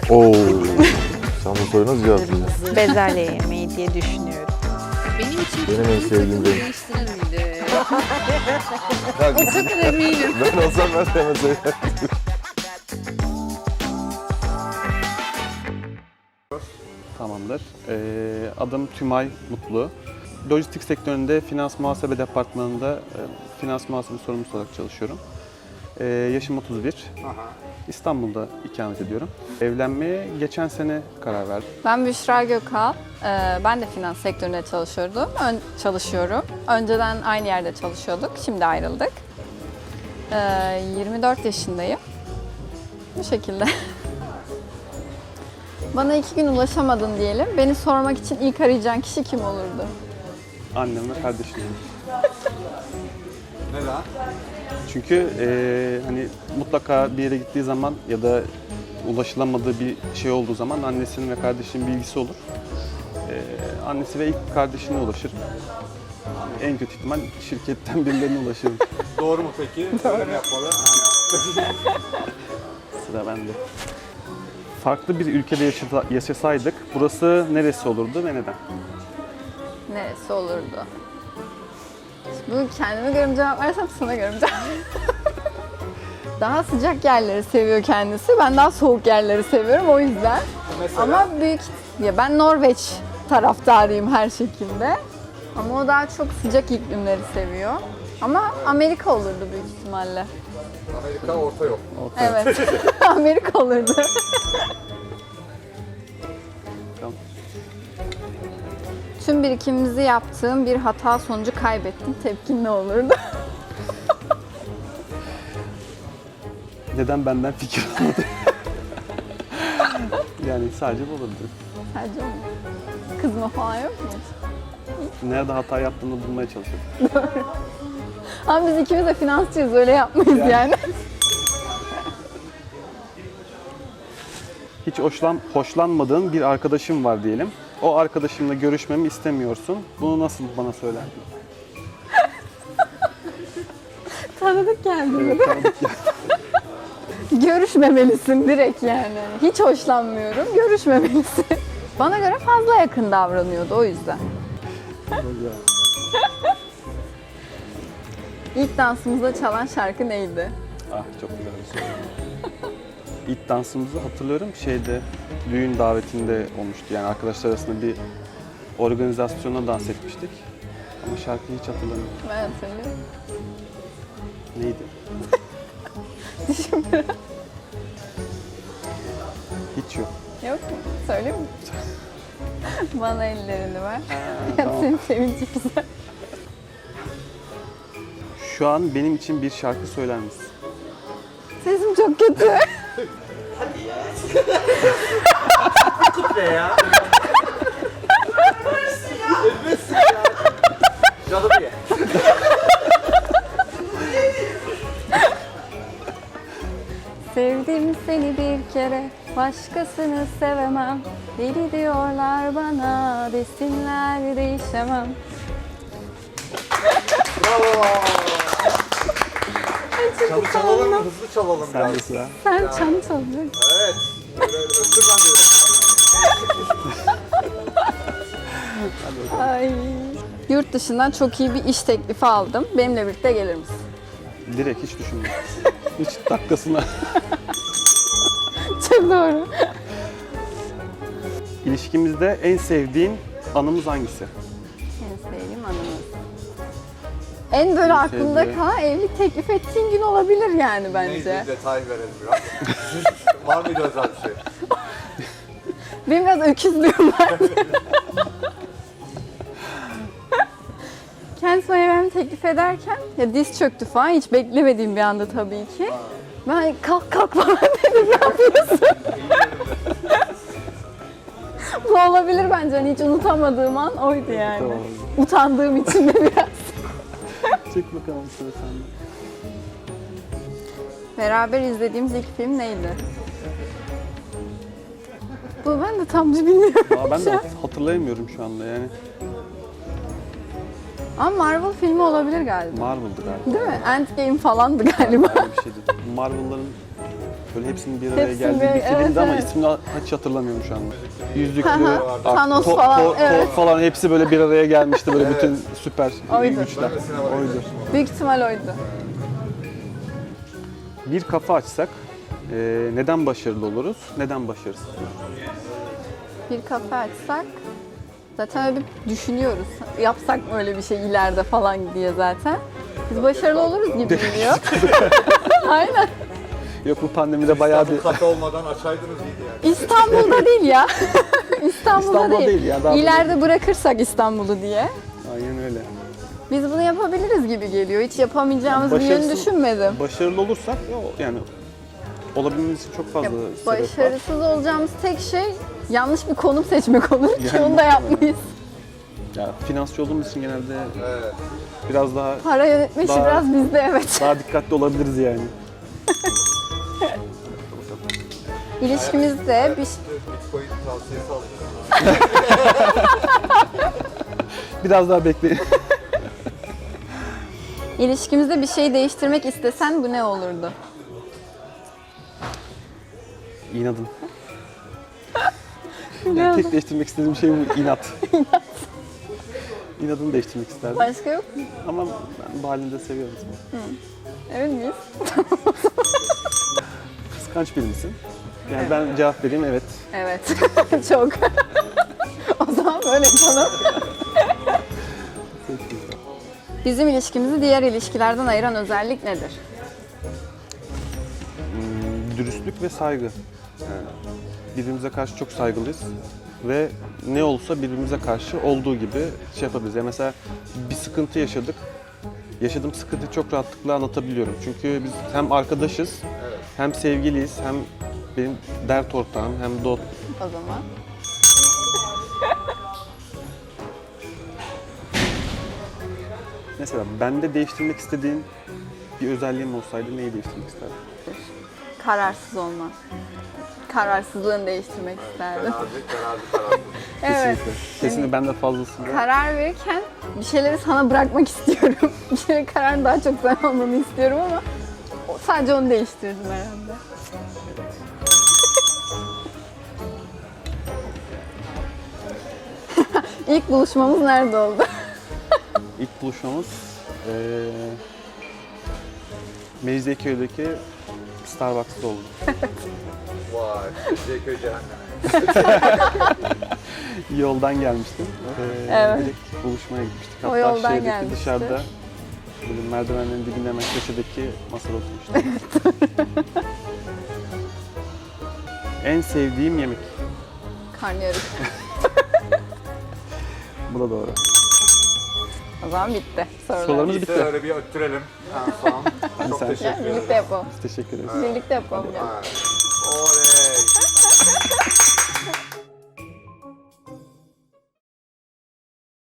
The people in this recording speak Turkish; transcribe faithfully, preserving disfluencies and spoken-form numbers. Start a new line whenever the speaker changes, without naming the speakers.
Oo. Sen bu soruyu nasıl cevaplayacaksın?
Bezelye yemeği diye düşünüyorum.
Benim için
Benim en sevdiğim renk.
değiştirilmedi.
Ya,
O kadar eminim.
ben olsam ben de hemen söylerdim.
Tamamdır. Ee, adım Tümay Mutlu. Lojistik sektöründe finans muhasebe departmanında e, finans muhasebe sorumlusu olarak çalışıyorum. Ee, yaşım otuz bir. İstanbul'da ikamet ediyorum. Evlenmeye geçen sene karar verdim.
Ben Büşra Gökal. Ee, Ben de finans sektöründe çalışıyordum. Ön, çalışıyorum. Önceden aynı yerde çalışıyorduk. Şimdi ayrıldık. Ee, yirmi dört yaşındayım. Bu şekilde. Bana iki gün ulaşamadın diyelim. Beni sormak için ilk arayacağın kişi kim olurdu?
Annem ve kardeşim.
Neden?
Çünkü e, hani mutlaka bir yere gittiği zaman ya da ulaşılamadığı bir şey olduğu zaman annesinin ve kardeşinin bilgisi olur. E, annesi ve ilk kardeşine ulaşır. En kötü ihtimal şirketten birilerine ulaşır.
Doğru mu peki? Öyle mi yapmalı?
Sıra bende. Farklı bir ülkede yaşasa- yaşasaydık burası neresi olurdu ve neden?
Neresi olurdu? Şimdi bu kendime göre mi cevap versem sana göre mi cevap Daha sıcak yerleri seviyor kendisi. Ben daha soğuk yerleri seviyorum o yüzden.
Mesela?
Ama büyük ya ben Norveç taraftarıyım her şekilde. Ama o daha çok sıcak iklimleri seviyor. Ama Amerika olurdu büyük ihtimalle.
Amerika orta yol.
Evet. Amerika olurdu.
Tamam.
Tüm birikimimizi yaptığım bir hata sonucu kaybettim. Tepkin ne olurdu?
Neden benden fikir almadı? Yani sadece bu olurdu.
Sadece mi? Kızma falan yok mu?
Nerede hata yaptığını bulmaya çalışırdım.
Ama biz ikimiz de finansçıyız, öyle yapmayız yani. yani.
Hiç hoşlan, hoşlanmadığın bir arkadaşım var diyelim. O arkadaşımla görüşmemi istemiyorsun. Bunu nasıl bana söylerdin?
Tanıdık geldi.
Evet, tanıdık ya.
Görüşmemelisin direkt yani. Hiç hoşlanmıyorum, görüşmemelisin. Bana göre fazla yakın davranıyordu o yüzden. İlk dansımızda çalan şarkı neydi?
Ah çok güzel bir soru. İlk dansımızı hatırlıyorum şeyde düğün davetinde olmuştu. Yani arkadaşlar arasında bir organizasyona dans etmiştik. Ama şarkıyı hiç hatırlamıyorum.
Ben hatırlıyorum.
Neydi?
Düşün biraz.
Hiç yok.
Yok mu? Söyleyeyim mi? Bana ellerini ver. Ya
tamam.
senin sevinci güzel.
Şu an benim için bir şarkı söyler misin?
Sesim çok kötü.
Ne ya? Canım ye.
Sevdim seni bir kere, başkasını sevemem. Deli diyorlar bana, desinler değişemem.
Bravo. Çalı çalalım mı? Hızlı çalalım
Sen de
biraz.
sıra.
Sen çan çalacaksın.
Evet. Böyle öptür bence.
Ay. Yurt dışından çok iyi bir iş teklifi aldım. Benimle birlikte gelir misin?
Direkt hiç düşünmedim. Hiç dakikasına.
Çok doğru.
İlişkimizde en sevdiğin anımız hangisi?
En sevdiğim anımız. En böyle aklımda
sevdiğim-
kalan evlilik teklif ettiğin gün olabilir yani bence.
Neydi? Detay verelim biraz. Var mıydı özel bir şey?
Benim biraz öküzlüğüm var. Kendisi bana evlenme teklif ederken ya diz çöktü falan, hiç beklemediğim bir anda tabii ki. Ben kalk kalk falan dedim, ne yapıyorsun? Bu olabilir bence, hani hiç unutamadığım an oydu yani.
Tamam.
Utandığım için de biraz.
Çek bakalım sıra sende.
Beraber izlediğimiz ilk film neydi? Bu ben de tam bilmiyorum.
Aa, ben de hatırlayamıyorum şu anda yani.
Ama Marvel filmi olabilir galiba.
Marvel'dı galiba.
Değil mi? Endgame falandı galiba.
Öyle bir şeydi. Marvel'ların Böyle hepsinin bir araya
Hepsinin
geldiği
bir-
bir filmdi
evet,
ama
evet.
ismini hiç hatırlamıyorum şu anda. Yüzüklü,
Hı hı,
Ar-
Thanos
Thor-
falan,
Thor-
evet.
Thor falan hepsi böyle bir araya gelmişti böyle bütün süper
Oydu.
güçler. Oydu.
Büyük ihtimal oydu.
Bir kafa açsak e, neden başarılı oluruz, neden başarısız oluruz?
Bir kafe açsak zaten öyle bir düşünüyoruz. Yapsak mı öyle bir şey ileride falan diye zaten. Biz başarılı oluruz gibi geliyor. Aynen.
Yok bu pandemide bayağı bir...
Kafe olmadan açaydınız iyiydi yani.
İstanbul'da değil ya. İstanbul'da,
İstanbul'da
değil.
değil ya, daha
İleride bırakırsak İstanbul'u diye.
Aynen öyle.
Biz bunu yapabiliriz gibi geliyor. Hiç yapamayacağımız bir yönü
Başarısız-
düşünmedim.
Başarılı olursak ya, yani olabilmemiz için çok fazla
Ya,
sebep var.
başarısız olacağımız tek şey yanlış bir konum seçmek olur ki
Yani
onu da yapmayız.
Ya, finansçı olduğumuz için genelde
Evet.
biraz daha
Para yönetme işi
Daha-
biraz bizde, evet.
daha dikkatli olabiliriz yani.
İlişkimizde bir
Bitcoin tavsiyesi alacağım.
Biraz daha bekleyin.
ilişkimizde bir şey değiştirmek istesen bu ne olurdu?
İnadın. Yani tek değiştirmek istediğim şey bu inat. İnadını değiştirmek isterdim.
Başka yok mu?
Ama ben bu halini de seviyorum.
Emin miyiz?
Kıskanç biri misin? Yani ben cevap vereyim evet.
Evet. Çok. O zaman böyle yapalım. Bizim ilişkimizi diğer ilişkilerden ayıran özellik nedir?
Hmm, dürüstlük ve saygı. Yani birbirimize karşı çok saygılıyız ve ne olsa birbirimize karşı olduğu gibi şey yapabiliriz. Yani mesela bir sıkıntı yaşadık. Yaşadığım sıkıntıyı çok rahatlıkla anlatabiliyorum. Çünkü biz hem arkadaşız, hem sevgiliyiz, hem benim dert ortağım, hem dost.
O zaman.
Mesela bende değiştirmek istediğin bir özelliğim olsaydı neyi değiştirmek isterdin?
Kararsız olmak. Kararsızlığını değiştirmek isterdim.
Kararlı, kararlı, kararlı.
Evet.
Kesinlikle. Kesinlikle bende fazlasıyla.
Karar verirken bir şeyleri sana bırakmak istiyorum. Bir şeylerin kararını daha çok sen almanı istiyorum ama o- sadece onu değiştirdim herhalde. İlk buluşmamız nerede oldu?
İlk buluşmamız eee Mecidiyeköy'deki Starbucks'ta oldu.
Vay. Zeyköy cehenneme.
Yoldan gelmiştim. Eee
Evet.
Direkt buluşmaya gitmiştik.
O
Hatta
yoldan
şeydeki
gelmişti.
dışarıda böyle merdivenlerin dibinde hemen köşedeki masada oturmuştuk. En sevdiğim yemek.
Karnıyarık.
Bu da doğru.
O zaman bitti sorular.
Sorularımız
Bitti
bitti.
öyle bir öttürelim. En son. Çok
sen-
teşekkür ederim.
Birlikte yapalım.
Biz teşekkür ederiz.
Birlikte yapalım ya.
Oley.